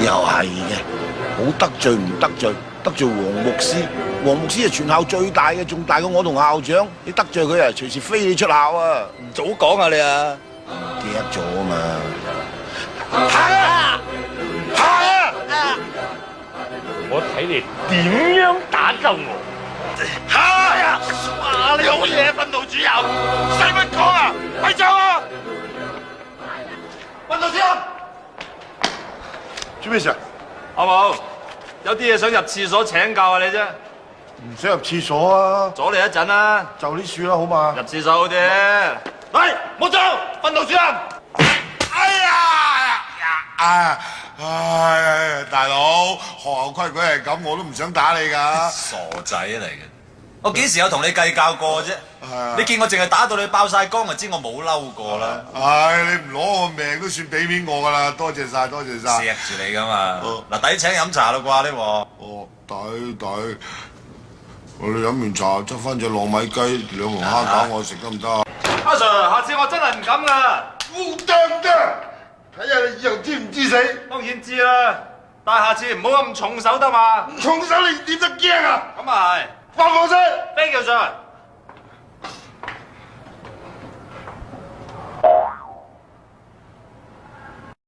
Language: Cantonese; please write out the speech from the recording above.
又係嘅，好得罪唔得罪？得罪黃牧師，黃牧師係全校最大嘅，仲大過我同校長。你得罪佢啊，隨時飛你出校啊！ 唔早講啊你啊！ 記得咗啊嘛！係啊！係啊！ 我睇你點樣打救我？ 係啊！哇！你好嘢，訓導主任，使乜講啊？咪走啊！訓導主任，做咩事啊？ 阿毛，有啲嘢想入廁所請教下你啫， 唔想入廁所啊！ 阻你一陣啦， 就呢樹啦，好嘛？ 入廁所好啲。喂，冇走，訓導主任。 哎呀！唉，大佬，學校規矩係咁，我都唔想打你㗎。 傻仔嚟嘅，我幾時有同你計較過啫？ 啊你見我淨係打到你爆晒光，就知我冇嬲過啦。 唉，你唔攞我命都算俾面我㗎啦，多謝晒，多謝晒。 錫住你㗎嘛。嗱，抵請飲茶啦啩呢鑊。 哦，抵。我哋飲完茶，執翻隻糯米雞、2籠蝦餃，我食得唔得啊？ 阿 Sir，下次我真係唔敢㗎。 唔得，睇下你以後知唔知死？ 當然知啦，但係下次唔好咁重手得嘛。 重手你點得驚啊？ 咁啊係。 翻房先。 Thank you, Sir。